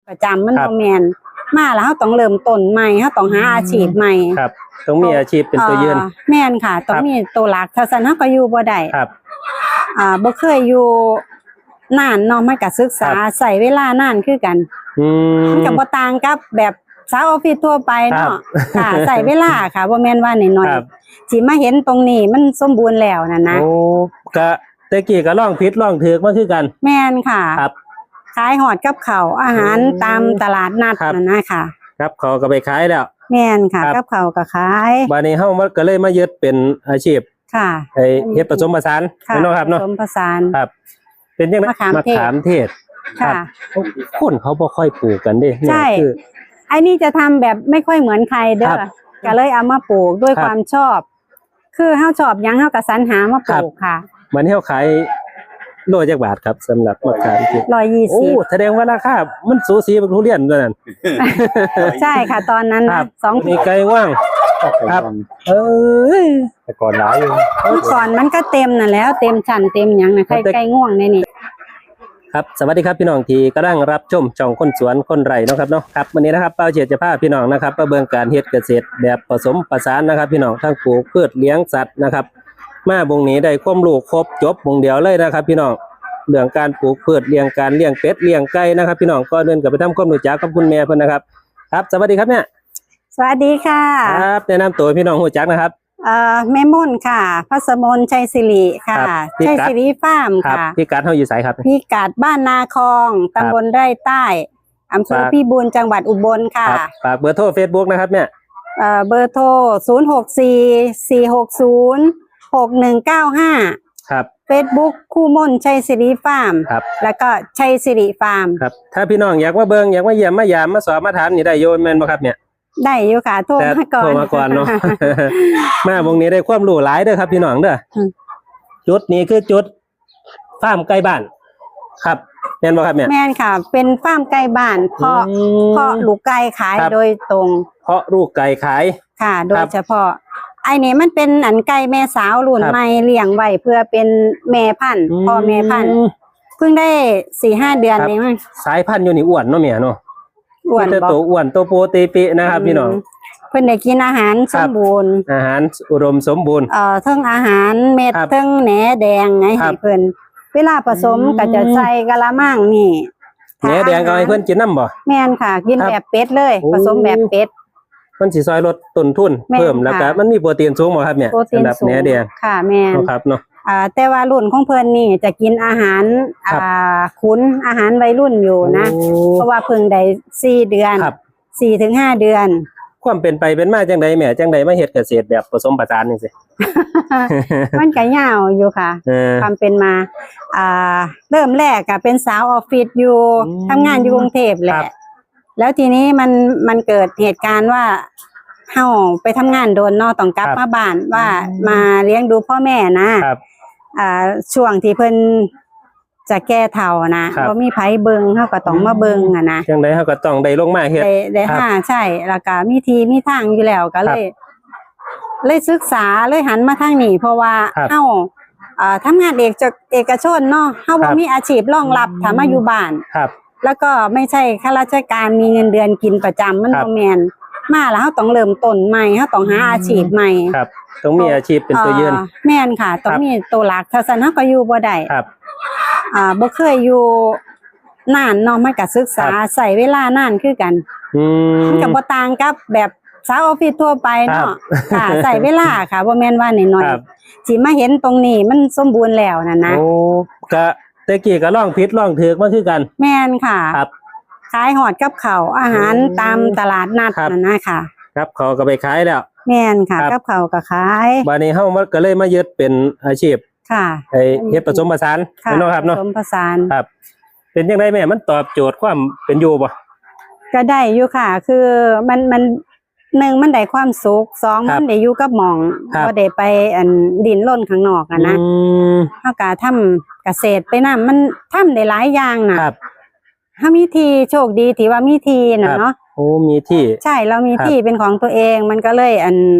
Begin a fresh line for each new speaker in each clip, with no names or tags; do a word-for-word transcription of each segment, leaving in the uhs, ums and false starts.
ประจำมันบ่แม่นมาแล้วเฮาต้องเริ่มต้นใหม่เฮาต้องหาอาชีพใหม่
ครับต้องมีอาชีพเป็นตัวยืน
แม่นค่ะต้องมีตัวหลักถ้าซั่นเฮาก็อยู่บ่ได้
ครับ
อ่าบ่เคยอยู่นานเนาะมันก็ศึกษาใช้เวลานานคือกัน
อืม
มันก็บ่ต่างกับแบบสาวออฟฟิศทั่วไปเนาะค่ะใช้เวลาค่ะบ่แม่นว่าน้อยๆสิมาเห็นตรงนี้มันสมบูรณ์แล้วนั่นนะ
โอ้ก็แต่กี้ก็ลองผิดลองถูกมาคือกัน
แม่นค่ะ
ครับ
ขายหอดกับข้าวอาหารตามตลาดนัดนั่นนะค่ะ
ครับเขาก็ไปขายแล้ว
แม่นค่ะกับข้าวก็ขาย
บัดนี้เฮามันก็เลยมายึดเป็นอาชีพ
ค่ะ
ไอ้เฮ็ดผสมผสานเนาะครับเนาะ
ผสมผสาน
ครับเป็นจังได๋มะขามเทศ
ค่ะ
คนเขาบ่ค่อยปลูกกันเด้
ใช่ไอ้นี่จะทำแบบไม่ค่อยเหมือนใครเด้อก็เลยเอามาปลูกด้วยความชอบคือเฮาชอบหยังเฮาก็สรรหามาปลูกค่ะ
บัดนี้เฮาขายโลจักบาทครับสำหรับมะขามเทศ
หนึ่งร้อยยี่สิบโอ้
แสดงว่าราคามันสูสีกับทุเรียนตัวนั้น
ใช่ค่ะตอนนั้นนะสอง
มีไก่ว่างครับเออ
แต่ก่อนหลายอยู่
เมื่อก่อนมันก็เต็มน่ะแล้วเต็มชั้นเต็มหยังน่ะไก่ไก่ง่วงในนี่
ครับสวัสดีครับพี่น้องที่กำลังรับชมช่องคนสวนคนไร่เนาะครับเนาะครับวันนี้นะครับเป้าเฉียดจะพาพี่น้องนะครับมาเบิ่งการเฮ็ดเกษตรแบบผสมผสานนะครับพี่น้องทั้งปลูกพืชเลี้ยงสัตว์นะครับมาบงนี้ได้ความรู้ครบจบบงเดียวเลยนะครับพี่น้องเรื่องการปลูกพืชเลี้ยงการเลี้ยงเป็ดเลี้ยงไก่นะครับพี่น้องก็เดินกับไปทำความรู้จักกับคุณแม่เพิ่นนะครับครับสวัสดีครับเนี่ย
สวัสดีค่ะ
ครับแนะนำตัวพี่น้องรู้จักนะครับ
เอ่อแม่ม่นค่ะพัสมนชัยศิริค่ะชัยศิริฟาร์มค่ะ
พี่กัดเฮาอยู่ไสครับ
พี่กัดบ้านนาคองตำบลไร่ใต้อำเภอพิบูลจังหวัดอุบลค่ะ
ฝากเบอร์โทร Facebook นะครับเนี่ย
เอ่อเบอร์โทรศูนย์ หก สี่ สี่ หก ศูนย์ หก หนึ่ง เก้า ห้า
ครับ
Facebook คู่มนชัยศิริฟาร์ม
ครับ
แล้วก็ชัยศิริฟาร์ม
ครับถ้าพี่น้องอยากมาเบิ่งอยากมาเยี่ยมมายามมาสอบมาถามนี่ได้โยนแม่นบ่ครับเนี่ย
ได้อยู่ค่ะโทรมาก่อน
โทรมาก่อนเนาะมาวงนี้ได้ความรู้หลายเด้อครับพี่น้องเด้อจุดนี้คือจุดฟาร์มใกล้บ้านครับแม่นบ่ครับเนี่ย
แม่นค่ะเป็นฟาร์มใกล้บ้านเพาะเพาะลูกไก่ขายโดยตรง
เพาะลูกไก่ขาย
ค่ะโดยเฉพาะไอ้นี่มันเป็นอันไก่แม่สาวรุ่นใหม่เลี้ยงไว้เพื่อเป็นแม่พันธุ์พ่อแม่พันธุ์เพิ่งได้ สี่ห้า เดือนเองมั้ง
สายพันธุ์อยู่นี่อ้วนเนาะแม่เนาะ
อ้วน
บ่ตัวอ้วนตัวโปรตีปินะครับพี่น้อง
เพิ่นได้กินอาหารสมบูรณ์
อาหารอุดมสมบูรณ์
เอ่อทั้งอาหารเม็ดทั้งแหนแดงไงให้เพิ่นเวลาผสมก็จะใส่กะละมังนี่
แหนแดงก็ให้เพิ่นกินน้ำบ่
แม่นค่ะกินแบบเป็ดเลยผสมแบบเป็ด
มันสิซอยลดต้นทุนเพิ่มแล้วก็มันมีโปรตีนสูงบ่ครับเนี่ย
สำหรับ
แหนแดง
ค่ะแม่น
ครับเนาะ
อ่าแต่ว่ารุ่นของเพิ่นนี่จะกินอาหารอ่าขุนอาหารวัยรุ่นอยู่นะเพราะว่าเพิ่งได้สี่เดือนสี่ถึงห้าเดือน
ความเป็นไปเป็นมาจังไดแม่จังไดมาเฮ็ดเกษตรแบบผสมผสานจังซี่
มันก็ยาวอยู่ค่ะความเป็นมาอ่าเริ่มแรกก็เป็นสาวออฟฟิศอยู่ทำงานอยู่กรุงเทพแหละแล้วทีนี้มันมันเกิดเหตุการณ์ว่าเฮาไปทำงานโดนเนาะต้องกลับมาบ้านว่ามาเลี้ยงดูพ่อแม่นะครับอ่าช่วงที่เพิ่นจะแก้เฒ่านะบ่มีไผเบิ่งเฮาก็ต้องมาเบิ่งอ่ะนะ
จังได๋เฮาก็ต้องได้ลงมาเฮ็ด
ได้ได้ค่ะใช่แล้วก็มีทีมีทางอยู่แล้วก็เลยเลยศึกษาเลยหันมาทางนี้เพราะว่าเฮาอ่าทำงานเอกเอกชนเนาะเฮาบ่มีอาชีพรองรับถ้ามาอยู่บ้าน
ครับ
แล้วก็ไม่ใช่ข้าราชการมีเงินเดือนกินประจำมันบ่แม่นมาแล้วเฮาต้องเริ่มต้นใหม่เฮาต้องหาอาชีพใหม่
ครับต้องมีอาชีพเป็นตัวยืน
แม่นค่ะต้องมีตัวหลักถ้าซั่นเฮาก็อยู่บ่ได้
ครับ
อ่าบ่เคยอยู่นานเนาะมันก็ศึกษาใช้เวลานานคือกัน
อืม
มันก็บ่ต่างกับแบบสาวออฟฟิศทั่วไปเนาะค่ะใช้เวลาค่ะบ่แม่นว่าน้อยๆสิมาเห็นตรงนี้มันสมบูรณ์แล้วนั่นนะ
โอ้ก็แต่กี้ก็ลองผิดลองถูกมาคือกัน
แม่นค่ะ
ครับ
ขายหอดกับข้าวอาหารตามตลาดนัดนั่นนะค่ะ
ครับเขาก็ไปขายแล้ว
แม่นค่ะกับข้าวก็ขาย
บัดนี้เฮามันก็เลยมายึดเป็นอาชีพ
ค่ะ
ไอ้เฮ็ดผสมผสานเนาะครับเนาะ
ผสมผสาน
ครับเป็นจังได๋แม่มันตอบโจทย์ความเป็นอยู่บ่
ก็ได้อยู่ค่ะคือมันมันหนึ่งมันได้ความสุขสองมันได้อยู่กับหม่องบ่ได้ไปอันดินรนข้างนอกอ่ะนะเฮาก็ทำเกษตรไปนำมันทำได้หลายอย่างน่ะถ้ามีที่โชคดีที่ว่ามีที่น่ะเนาะ
โอ้มีที่
ใช่เรามีที่เป็นของตัวเองมันก็เลยอัน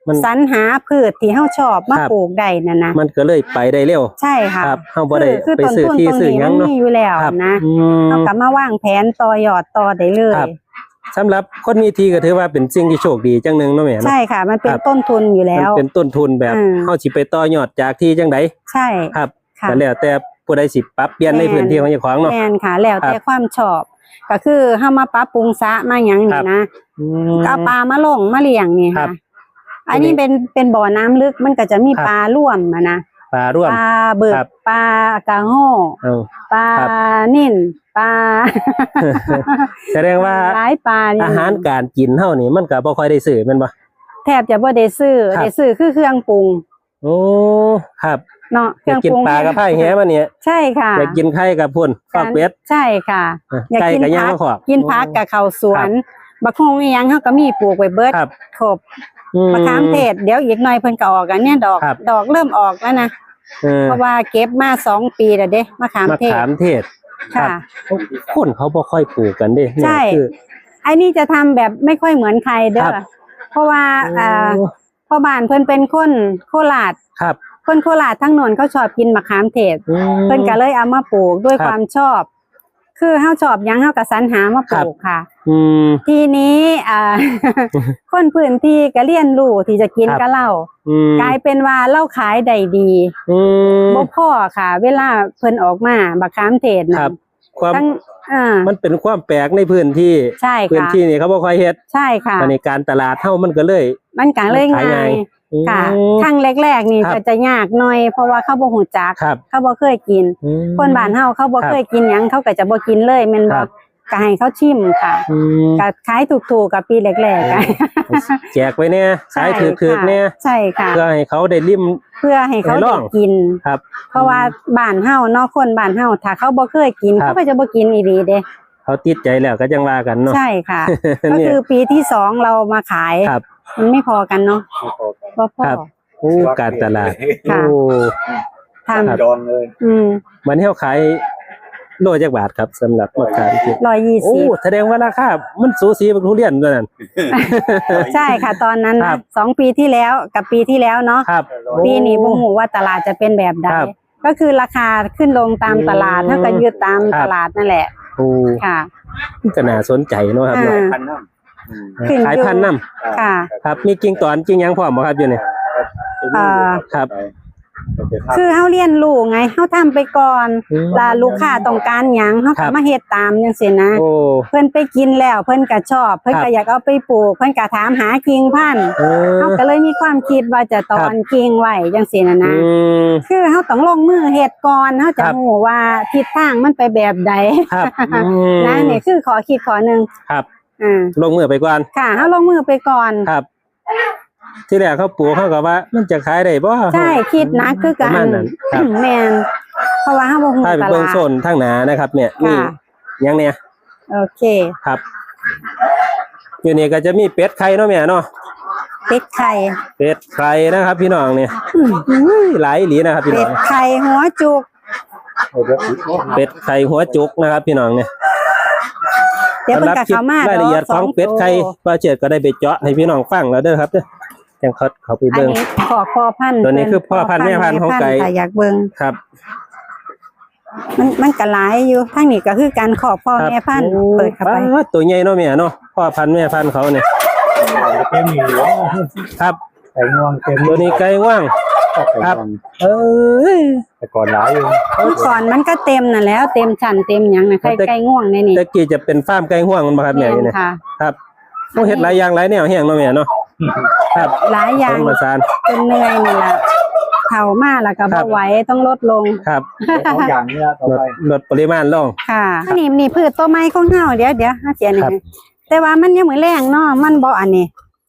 มัน
สรรหาพืชที่เฮาชอบมา
ครับ
ปลูกได้นั่นนะ
มันก็เลยไปได้เร็ว
ใช่ค่ะ
ครับเฮาบ่ได้
คือ
ไป
ต้น
ซื้อ
ทุน
ที่
ตรง
ซื้อ
นี้
หยั
มั
ง
น
เนาะ
มีอยู่แล้ว
ครับ
นะ
อืม
เฮาก็มาวางแผนต่อยอดต่อได้เลย
ครับ สำหรับคนมีที่ก็ถือว่าเป็นสิ่งที่โชคดีจังหนึงเนาะแม่เนาะ
ใช่ค่ะ มันเป็
คน รับ
ต้นทุนอยู่แล้
มัน
ว
เป็นต้นทุนแบบ
อืม
เฮาสิไปต่อยอดจากที่จังได
ใช่
ครับ
ค่ะ
ก็แล้วแต่ผู้ใดสิปรับเปลี่ยนใน
แม่น
พื้นที่ของเจ้าของเนาะ
แม่นค่ะ แล้วแต่
ครับ
ความชอบ ก็คือเฮามาปรับปรุงสระมาหยัง
ครั
นี่
บ
นะ
อืม
ก็เอาปลามาลงมาเลี้ยงนี่
ครั
ค่ะ
บ
อันนี้เป็นเป็นบ่อน้ำลึกมันก็จะมี
ครับ
ปลาร่วมอะนะ
ปลาร่วม
ปลาเบิก
ครับ
ปลากระโห้
เอา
ปลา
ครับ
นิ่นปลา
แสดงว่า
หลายปลานี่
อาหารการกินเฮานี่มันก็บ่ค่อยได้ซื้อแม่นบ่
แทบจะบ่ได้ซื้อ
ครับ
ได้ซื้อคือเครื่องปรุง
โอ้ครับ
เนาะเค
อยา
รื่
ก
อง
กิน
ปรุง
ปลากระไผ่แหมาเนี่ย
ใช่ค่ะ
อยากกินไข่กับพุ่นฟอกเป็ด
ใช่ค่ะ อยาก
ไก่
กิน
กับย่าง
ผั
มะขอบ
กินผักกับข้าวสวนบักฮงอีหยังเฮาก็มีปลูกไว้เบิด
ครับ
ครบ
อื
มะขามเทศเดี๋ยวอีกหน่อยเพิ่นก็ออกอันเนี้ยดอก
ครับ
ดอกเริ่มออกแล้วนะ
เออ
เพราะว่าเก็บมาสองปีแล้วเด้มะขาม
มะ
เทศ
ขามเทศ
ค่ะ
คนเขาบ่ค่อยปลูกกันเด้เนี่ย
ใช่
คือ
ไอ้นี่จะทำแบบไม่ค่อยเหมือนใครเด้
ครั
อบ เพราะว่าอ่า
โอ้
พ่อบ้านเพิ่นเป็นคนโคราช
ครับ
คนโคราชทั้งโนนเขาชอบกินมะขามเทศ
อืม
เพิ่นก็เลยเอามาปลูกด้วย
ครับ
ความชอบ คือเฮาชอบหยังเฮาก็สรรหามาปลูกค่ะ
อืม
ทีนี้อ่า คนพื้นที่ก็เรียนรู้ที่จะกิน
ครับ
กับเรา
อืม
กลายเป็นว่าเราขายได้ดี
อืม
บ่พอค่ะ เวลาเพิ่นออกมาบักขามเทศ
ค
น่ะ
รับ ความ
ทั้งอ่า
มันเป็นความแปลกในพื้นที่
ใช่
พื้น
ค่ะ
ที่นี่เขาบ่ค่อยเฮ็ด
ใช่ค่ะ
อันนี้การตลาดเฮามันก็เลย
มันก็เลย
ขาย
ง่า
ง่าย
ยค่ะ
อืม
ครั้งแรกๆนี่
ครับ
ก็จะยากหน่อย เพราะว่าเขาบ่ฮู้จัก
ครับ
เขาบ่เคยกิน
อืม
คนบ้านเฮาเขาบ่
ครับ
เคยกินหยังเขาก็จะบ่กินเลยแม่น
ค
บ่
รับ
ก็ให้เขาชิมค่ะ
อืม
ก็ขายถูกๆกับปีแรกๆอะ
แจกไว้เนี่ยขายถือๆเนี่ย
ใช่ค่ะ
เพื่อให้เขาได้ริม
เพื่อให้เขา
ให้ล
ได้
อง
กิน
ครับ
เพราะว่าบ้านเฮาเนาะคนบ้านเฮาถ้าเขาบ่เคยกิน
ครับ
เขาก็จะบ่กินอีหลีเด้
เขาติดใจแล้วก็จังว่ากันเนาะ
ใช่ค่ะ ก็
เนี่ย
คือปีที่สองเรามาขาย
ครับ
มันไม่พอกันเนาะบ่พอ
ครับ โอ้การตลาด
ค่ะ
โอ้
ทำ
ครับ
จองเลย
อืม
มันให้เขาขายโลจักบาทครับสำหรับมะขามเทศ
ร้อยยี่
โอ้
สิบ
แสดงว่าราคามันสูสีกับทุเรียนด้วยนั่น
ใช่ค่ะ ตอนนั้น
ครั
นะ
บ
สองปีที่แล้วกับปีที่แล้วเนาะ
ครับ
ปีนี้บ่ฮู้ว่าตลาดจะเป็นแบบใด
ครับ
ก็คือราคาขึ้นลงตามตลาด
อืม
ถ้าก็ยืดตาม
ครับ
ตลาดนั่นแหละ
โอ้
ค่ะ
ก็น่าสนใจเนาะครับ
อ่า
เนาะ
พันน้ำอืม
ขึ้นอยู่
ขายพันธุ์น้
ค่ะ
ำครับ มีกิ่งตอนกิ่งหยังพร้อมบ่ครับอยู่นี่
อ่า
ครับ
คือเฮาเรียนรู้ไงเฮาทำไปก่อน
อืม
แลาลูกค้าต้องการหยังเฮา
ครั
ก็
บ
มาเฮ็ดตามจังซี่นะ
โอ้
เพิ่นไปกินแล้วเพิ่นก็ชอบ เพิ่น
ครั
ก็
บ
อยากเอาไปปลูก เพิ่นก็ถามหากิ่งพันธุ์
เออ
เฮาก็เลยมีความคิดว่าจะตอนกิ่งไว้จังซี่นะ
อื
นะ
ม
คือเฮาต้องลงมือเฮ็ดก่อนเฮาจะ
ครับ
รู้ว่าทิศทางมันไปแบบใด
ครับอืม
นะนี่คือขอคิดขอหนึง
ครับ
อ่า
ลงมือไปก่อน
ค่ะเฮาลงมือไปก่อน
ครับ ที่แรกเขาปลูกเขาก็ว่า มันจะขายได้บ่
ใช่คิดนะคือ
ป
กั
ระ
น
มาณนั้นครับ
แม่นเพราะว่าเฮาบ่ฮู้
ถ้าไป
ต
เบิ่
ลาง ด
โซนทางหนานะครับ เนี่ยนี่
ค่ะ
ยังเนี่ย
โอเค
ครับอยู่นี่ก็จะมีเป็ดไข่เนาะแม่เนาะ
เป็ดไข่
เป็ดไข่นะครับ พี่น้องเนี่ย
อืม
อุ้ยหลายอีหลีนะครับ พี่
เป็
น้อ
ด
ง
ไข่หัวจุก
เป็ดไข่หัวจุกนะครับ พี่น้องเนี่ย
เดี๋ยวเพิ่นก็
คลิป
เข้ามาร
ายละเอียดของเป็ดไข่
สองตัว
ป้าเจิดก็ได้ไปเจาะให้พี่น้องฟังแล้วเด้อครับเด้อจังเขาเขาไป
อัน
เบิ่ง
นี้ขอพ่อพันธุ์
ตัวนี้คือพ่อพันธุ์แม่พันธุ์ของไก่
ค่ะอยากเบิ่ง
ครับ
มันมันก็หลายอยู่ทางนี้ก็คือการขอพ่อ
ครับ
แม่พันธุ์
โอ้
เปิดเข้าไป
ป๊าดตัวใหญ่เนาะแม่เนาะพ่อพันธุ์แม่พันธุ์เขาเนี่ย
เต็มอยู่
ครับ
ไก่งวงเต็ม
ตัวนี้ไก่ว่าง ครับ เอ้ย
แต่ก่อนหลายอยู่
เมื่อก่อนมันก็เต็มน่ะแล้ว เต็มชั้นเต็มหยังนะไข่
แต่
ไก่ง่วงในนี่
ตะกี้จะเป็นฟาร์มไก่ห่วงมันบ่ครับแม่
แม่น
เนี่ย
ค่ะ
ครับต้องเฮ็ดหลายอย่างหลายแนวแห้งเนาะแม่เนาะครับ
หลายอย่าง
ผสมผสาน
จนเหนื่อยนี่ล่ะเฒ่ามาแล้วก็
ครั
บ่
บ
ไหวต้องลดลง
ครับ
สองอย่างนี้ต่อ
ลด
ไป
ลดปริมาณลง
ค่ะอันนี้นี่พืชตัวไม้ของเฮาเดี๋ยวเดี๋ยวหาเสียนี่
ครับ
แต่ว่ามันยังเหมือนแรงเนาะมันบ่อันนี้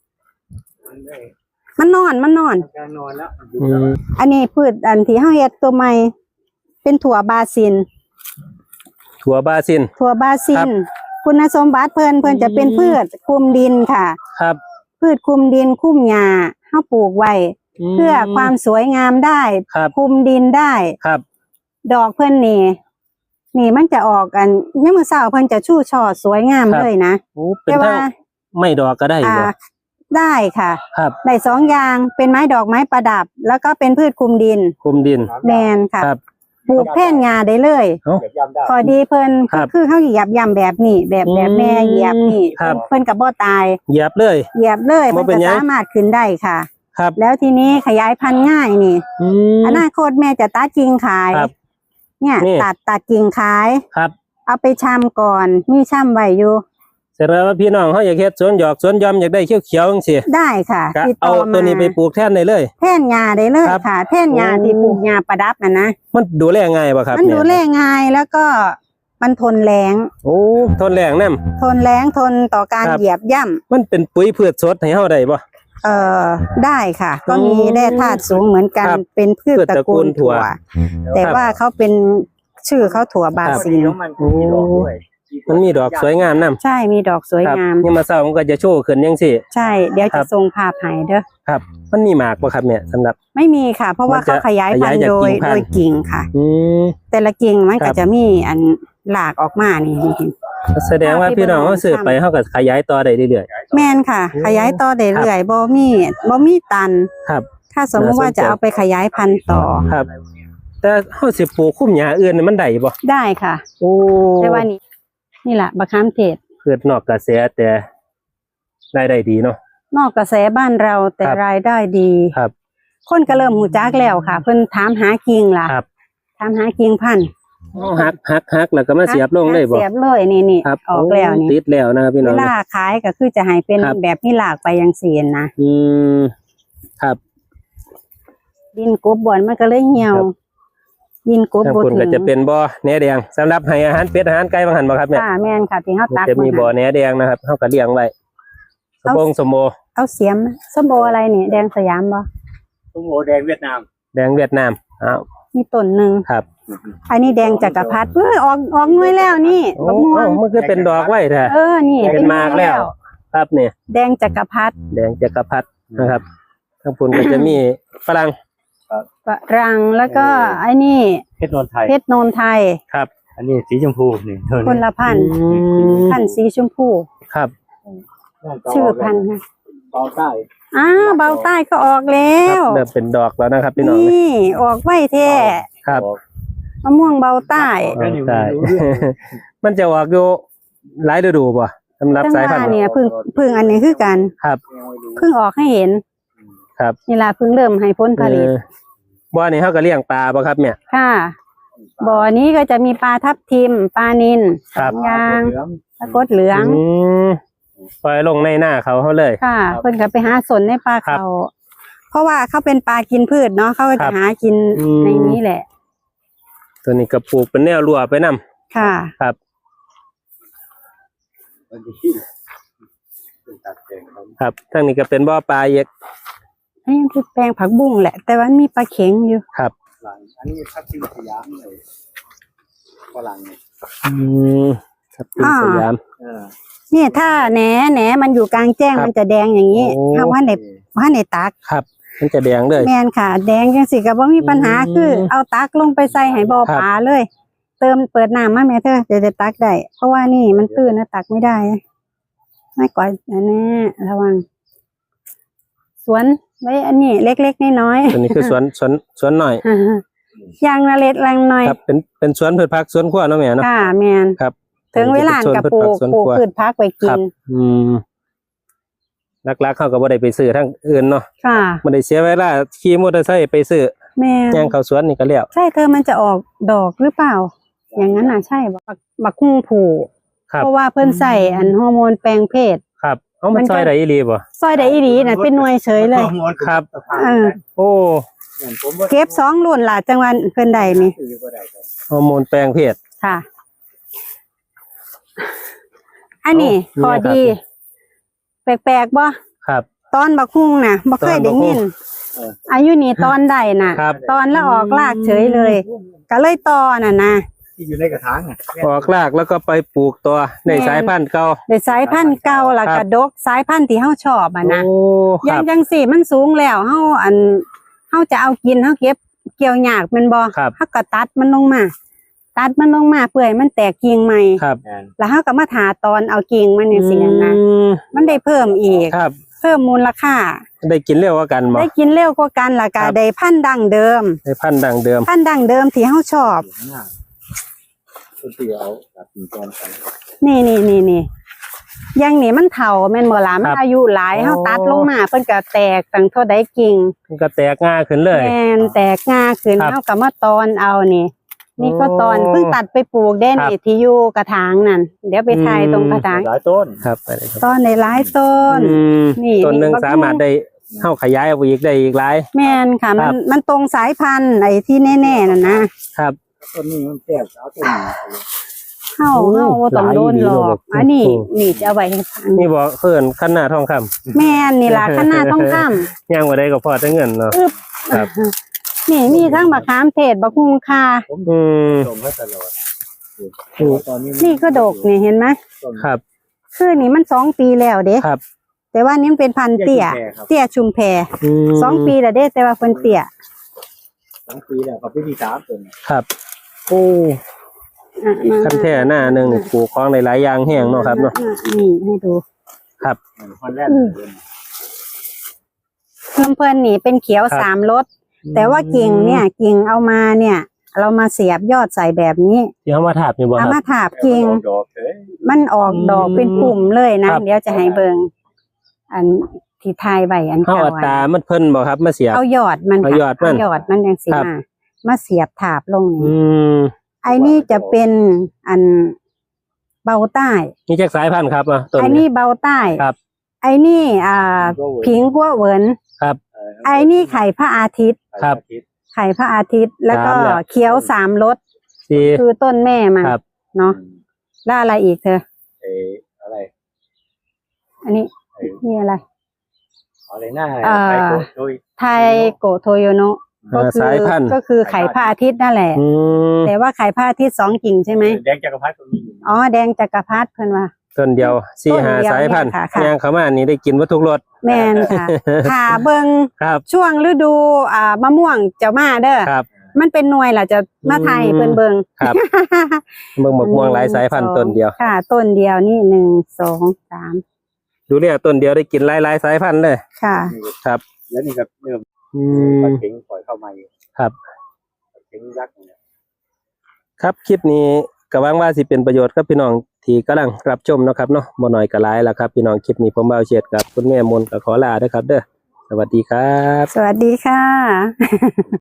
มันนอนมันนอน
การนอนแล้ว
อืม
อันนี้พืชอันที่เฮาเฮ็ดตัวใหม่เป็นถั่วบาซิน
ถั่วบาซิน
ถั่วบาซิ
ครั
น
บ
คุณสมบัติเพิ่นเพิ่นจะเป็นพืชคลุมดินค่ะ
ครับ
พืชคลุมดินคลุมหญ้าเฮาปลูกไว้
ม
เพื่อความสวยงามได้
ครับ
คลุมดินได้
ครับ
ดอกเพิ่นนี่นี่มันจะออกกันยามมื้อเช้าเพิ่นจะชู่ช่อสวยงามเลยนะ
โอ้เป็น
แต่ว่า
ทั้งไม่ดอกก็ได้
อ่า
บ่
ได้ค่ะ
ครับ
ได้สองอย่างเป็นไม้ดอกไม้ประดับ แล้วก็เป็นพืชคลุมดิน
คุมดิน
แมนค่ะ
ครับ
ปลูกแท่นงาได้เลย
เอ้า
เก็บย่ำได้
พอดีเพิ่น
ครับ
คือเขาเหยียบย่ำแบบนี้แบบแบบ
อืม
แม่เหยียบนี่
ครับ
เพิ่นกับบ่ตาย
เหยียบเลย
เหยียบเลย
บ่
มัน
เป็น
จะ
หยัง
สามารถขึ้นได้ค่ะ
ครับ
แล้วทีนี้ขยายพันธุ์ง่ายนี่
อืม
อนาคตแม่จะตัดกิ่งขาย
ครับ
เนี่ย
นี่
ตัดตัดกิ่งขาย
ครับ
เอาไปชำก่อน มีชำไว้อยู่
เสร็จแล้วว่าพี่น้องเขาอยากเฮ็ดสวนหยอกสวนยอมอยากได้เขียวๆจังซี่
ได้ค่ะ
ก็
ติด
เอา
ต่อมา
ตัวนี้ไปปลูกแทนได้เลย
แท่นงาได้เลย
ครับ
ค่ะ แท่นงา
โอ้
ที่ปลูกงาประดับน่ะนะ
มันดูแลง่ายบ่ครับ
มันดูแล
เย
ง่ายแล้วก็มันทนแรง
โอ้ทนแรงนำ
ทนแรงทนต่อการ
ครับ
เหยียบย่ำ
มันเป็นปุ๋ยพืชสดให้เฮาได้บ่
เอ่อได้ค่ะ ก็
อืม
มีแร่ธาตุสูงเหมือนกัน
ครับ
เป็นพืช
พืช
ตระ
ตระกู
กูล
ลถั่
ถั่
ว
ว แต่
ครับ
ว่าเขาเป็นชื่อเขาถั่วบา
ครับ
ซิล
มันมีดอกด้วย
มันมีดอกสวยงามนำ
ใช่มีดอกสวย
ครับ
งาม
นี่มาเช้ามันก็จะโชว์ขึ้นจังซี่
ใช่ เดี๋ยว
ครั
จะ
บ
ส่งภาพให้เด้อ
ครับ มันมีหมากบ่ครับเนี่ยสำหรับ
ไม่มีค่ะ เพราะว่า
มันจะ
เขาขยายพัน
ขยาย
ธุ์
จาก
โดย
กิ่งพันธุ์
โดยกิ่งค่ะ
อืม
แต่ละกิ่งมัน
ครั
ก็
บ
จะมีอันหลากออกมานี่นี่
แสดงว่าพี่น้องเขาซื้อไปเขาก็ขยายต่อได้เรื่อย
แม่นค่ะ ขยายต่อได้เรื่อยบ่มีบ่มีตัน
ๆครับ
ถ้าสมมติว่า
น่าสนใจ
จะเอาไปขยายพันธุ์ต่อ
ครับ แต่เฮาสิปลูกคุ้มหญ้าอื่นนี่มันได้บ่
ได้ค่ะ
โอ้
แต่ว่านี่นี่แหละบะขามเทศ
เกิดนอกกระแสแต่รายได้ดีเนาะ
นอกกระแสบ้านเราแต่
ครับ
รายได้ดี
ครับ
คนก็เริ่มหูจักแล้วค่ะ เพิ่นถามหากิ่งล่ะ
ครับ
ถามหากิ่งพันธุ์
หักหักหักแล้วก็มาเสียบลงเลยบ่
เสียบเลยนี่นี่
ครับ
ออกแล้วนี่
ติดแล้วนะครับพี่น้
เว
อง
ลาขายก็คือจะให้เป็น
ครับ
แบบที่หลากไปยังเสียนนะ
อืมครับ
ดินกบบอนมันก็เลยเหี่ยว
ครับ
ดินกบ
ทาง
บ่
คุณ
ถึ
ก็
ง
จะเป็นบ่อแหนแดงสำหรับให้อาหารเป็ดอาหารไก่บางหันบ่ครับเนี่ย
ค่ะแม่นค่ะที่เฮา
มัน
ตัก
จะมี
า
บ่อแหนแดงนะครับเฮาก็เลี้ยงไว้สมบงสมโม
เอาเสียมส้มโออะไรนี่แดงสยามบ่
ส้มโอแดงเวียดนาม
แดงเวียดนามอ้าว
มีต้นหนึง
ครับ
อันนี้แดงจักรพรรดิเอ้ยออกออกหน่วยแล้วนี่
โอ้
บักม่ว
โอ้
ง
มันคือเป็นดอกไว้แท้
เออนี่
เป็นมากแล้ว ครับเนี่ย
แดงจักรพรรดิ
แดงจักรพรรดินะครับทางคุณก็จะมีฝรั่ง
ฝรั่งแล้วก็ไอ้นี่
เพชรนนทไทย
เพชรโนนไทย
ครับ
อันนี้สีชมพูนี่เท่า
คนละพันธุ์
อืม
พันธุ์สีชมพู
ครับ
ชื่อพันธุ์ค่ะ
เบาใต้
อ้าวเบาใต้ก็ออกแล้
คว รับเริ่มเป็นดอกแล้วนะครับพี่น้อง
นี่ออกไว้แท้
ครับ
มะม่วงเบาใต้
ใช่มันจะออกอยู่หลายฤดูป่ะสำหรับ
จัง
สาย
ห
พัน
วะ
ธุ์
เนี่ยเพึ่งเพึ่งอันนี้คือกัน
ครับ
เพึ่งออกให้เห็น
ครับ
นี่ล่ะเพึ่งเริ่มให้ผลผลิต
เออบ่อนี้เขาก็เลี้ยงปลาป่ะครับเนี่ย
ค่ะบ่อนี้ก็จะมีปลาทับทิมปลานิล
ครับ
ยางปลากดเหลือง
อืมปล่อยลงในหน้าเขาเขาเลย
ค่ะเพิ่นก็ไปหาสนในปลา
ครับ
เขาเพราะว่าเขาเป็นปลากินพืชเนาะเขาก็
ครั
จะ
บ
หากิน
อืม
ในนี้แหละ
ตัวนี้ก็ปลูกเป็นแนวรั้วไปนํ
ค่ะ
ครับ ครับทางนี้ก็เป็นบ่อปลาเอก
อันนี้คือแปลงผักบุ้งแหละ แต่ว่ามีปลาเข็งอยู่
ครับ
อันนี้ทับทิมสยามเลยฝรั่งเนี่ย
อืมครับเป็นสยาม
เออ
เนี่ยถ้าแหนแหนมันอยู่กลางแจ้ง
ครับ
มันจะแดงอย่างนี้
โอ้
ถ้าว่าในว่าในตัก
ครับ มันจะแดงเลย
แมนค่ะ แดงจังสิก็บ่มีปัญหา
อืม
คือเอาตักลงไปใส่ให้บ่อ
ครับ
ปลาเลย เติมเปิดน้ำมาแม่เธอจะได้ตักได้เพราะว่านี่มันตื้นนะตักไม่ได้ไม่ก่อยแน่ๆระวัง สวนไว้อันนี้เล็กๆน้อย
ตัวนี้คือสวนสวนสวนหน่อย
ๆ ยางละเล็ดลังน้อย
ครับ เป็นเป็นสวนพืชผักสวนครัวเนาะแม่เนาะ
ค่ะแมน
ครับ
ถึงเวลากับปลูก
สวน
ปลูก
ครัว
พืชพักไว้กิ
ครั
น
บ อืมลักๆเขาก็บ่ได้ไปซื้อทางอื่นเนาะ
ค่ะ
บ่ได้เสียเวลาขี่มอเตอร์ไซค์ไปซื้อ
แม่
ย่างเข้าสวนนี่ก็แล้ว
ใช่เธอมันจะออกดอกหรือเปล่า อย่างนั้นน่ะใช่บักบักคุ้งผู
ครับ
เพราะว่าเพิ่นใส่อันฮอร์โมนแปลงเพศ
ครับเอามัน
มันก็
ซอยได้อีหลีบ่
ซอยได้อีหลีน่ะเป็นหน่วยเฉยเลย
ครับ
เออ
โอ้
เก็บสองรุ่นล่ะจังหวัดเพิ่นได้นี่
ฮอร์โมนแปลงเพศ
ค่ะ อันนี้
โอ้
พอ
นี่ครับ
ดี แปลกๆบ่
ครับ
ตอนบักคุ้งน่ะบ่เคยได้ยิน
เออ
อายุนี่ตอนใดน่ะ
ครับ
ตอนแล้วออกรากเฉยเลย ก็เลยตอน่ะนะ
ที่อยู่ในกระถางอ่ะ
ออกรากแล้วก็ไปปลูกตัวใน
แม่น
สายพันธุ์เก่า
ได้สายพันธุ์เก่าแล้ว
ครั
ก็
บ
ดกสายพันธุ์ที่เฮาชอบอ่ะนะ
โอ้ค
ยั
รั
ง
บ
จังสี่มันสูงแล้วเฮาอันเฮาจะเอากินเฮาเก็บเกี่ยวยากแมันบ่
ครับ
เฮาก็ตัดมันลงมา ตัดมันลงมาเพื่อให้มันแตกกิ่งใหม่
ครับ
แอน
แล้วเฮาก็มาถาตอนเอากิ่งมันจังซี่นะ
อืม
มันได้เพิ่มอีก
ครับ
เพิ่มมูลค่า
ได้กินเร็วกว่ากันบ่
ได้กินเร็วกว่ากันล่ะ
ครั
ก็
บ
ได้พันธุ์ดั้งเดิม
ได้พันธุ์ดังเดิม
พันธุ์ดั้งเดิมที่เฮาชอบ
ข้างหน้าคนที่เอาตัดกิ่งก้อนไป
นี่นี่นี่นี่อยังนี่มันเฒ่าแม่นบ่ล่ะมันอายุหลายเฮาตัดลงมาเพิ่นก็แตกตั้งเท่าใดกิ่ง
มันก็แตกง่าขึ้นเลย
แม่นแตกงาขึ้น
ครับ
เฮาก็มาตอนเอานี่ นี่ก็ตอน
โอ้
เพิ่งตัดไปปลูกได้
ครับ
นี่ที่อยู่กระถางนั่นเดี๋ยวไปถ่ายตรงกระถาง
หลายต้น
ครับไปเลยครับ
ตอนในหลายต้น
อืม
นี่
ต้นหนึ่ง
นี่
สามารถได้เข้าขยายออกไปอีกได้อีกหลาย
แม่นค่ะ
ค
มั
รั
น
บ
มันตรงสายพันธุ์ไอ้ที่แน่ๆน่ะนะครับ
ต้นนี้มันแตกสาวต้นนี้
เฮา
โอ้
เฮาบ่ต้อง
หลาย
โดน
ดี
หลอ
เลย
กอันนี้
อืม
นี่จะเอาไว้ให้ฟัง
นี่บอกเพิ่นขั้นหน้าทองคำ
แม่นนี่ล่ะขนาดต้องข้าม
ย่างบ่ได้ก็พอได้เงินเนาะ ครับ
นี่มีทั้งมะขามเทศบักฮุงคา
ผม
อืม
ส่งให้ตลอดตอนนี้
นี่ก็ดกนี่เห็นไหม
ครับ
คือนี่มันสองปีแล้วเด้
ครับ
แต่ว่านี่มันเป็นพันธุ์เตี้ย เตี้ยชุมแพ
อืม
สองปีแล้วเด้แต่ว่าเพิ่นเตี้ย
สองปีแล้วกับพี่ที่สามต้น
ครับโอ้
อ่ะมา
ขั้นแท่หน้าหนึงนี่ปลูกของหลายๆอย่างแห้งเนาะครับเนาะ
นี่ให้ดู
ครับ
คนแรก
ลำเพลินนี่เป็นเขียว
ครับ
สามรสแต่ว่ากิ่งเนี่ยกิ่งเอามาเนี่ย เรามาเสียบยอดใส่แบบนี้
ที่เขามาถาบนี่บ่ค
เอา
รับ
มาถาบกิ่ง
ดอกเลย
มันออกดอก
อืม
เป็นปุ่มเลยนะ
ครับ
เดี๋ยวจะให้เบิงอันที่ทายใบอัน
เขา
เก่า
เอาตามันเพิ่นบ่ครับมาเสียบ
เอายอดมัน
เอายอดมัน
เายอดมันยังสี
ครับ
มามาเสียบถาบลง
อื
นี่
ม
ไอ้นี่จะเป็นอันเบาใต้
นี่จักสายพันธุ์ครับอ่ะต้น
ไอ้
นี้
นี่เบาใต้
ครับ
ไอ้นี่อ่าผิงกัวเหวิน
ครับ
ไอ้นี่ไข่พระอาทิตย์
ครับ
ไข่พระอาทิตย์ แล้วก็
สามแล้ว
เขียวสามรส
สี่
คือต้นแม่มัน
ครับ
เนาะแล้วอะไรอีกเธอ
เอออะไร
อันนี้นี่อะไร
อะไรหน้า
อ่า
ไปโกดโดย
ไทโกโทโยโนะก็
อ่า
คื
สายพันธุ์
ก็คือไข่พระอาทิตย์นั่นแหละ
อืม
แต่ว่าไข่พระอาทิตย์สองกิ่งใช่ไหม
แดงจักรพรรดิตรงนี้อยู่
อ๋อแดงจักรพรรดิเพิ่นว่า
ต้นเดียวสี่
ต้น
หา
เดียว
สายพันธุ์
เนี่ยค่ะค่ะ
ย่างเข้ามานี่ได้กินวัตถุกรส
แม่นค่ะค่ะเบิง
ครับ
ช่วงฤดูอ่ามะม่วงจะมาเด้อ
ครับ
มันเป็นหน่วยล่ะจะมาไทย
อืม
เพิ่นเบิง
ครับ เบิ่งบักม่วงหลายสายพันธุ์ต้นเดียว
ค่ะ ต้นเดียวนี่หนึ่งสองสาม
ดูเนี่ยต้นเดียวได้กินหลายๆสายพันธุ์เลย
ค่ะ
ครับ
แล้วนี่ก็เริ่ม
อื
ป
ม
ลาเข็งปล่อยเข้ามาอยู่
ครับ
ปลาเข็งยักษ์เนี่ย
ครับคลิปนี้ก็หวังว่าสิเป็นประโยชน์กับพี่น้องที่กำลังรับชมเนาะครับเนาะบ่น้อยก็หลายแล้วครับพี่น้องคลิปนี้ผมบ่าวเฉียดกับคุณแม่มนต์ก็ขอลาเด้อครับ เด้อสวัสดีครับ
สวัสดีค่ะ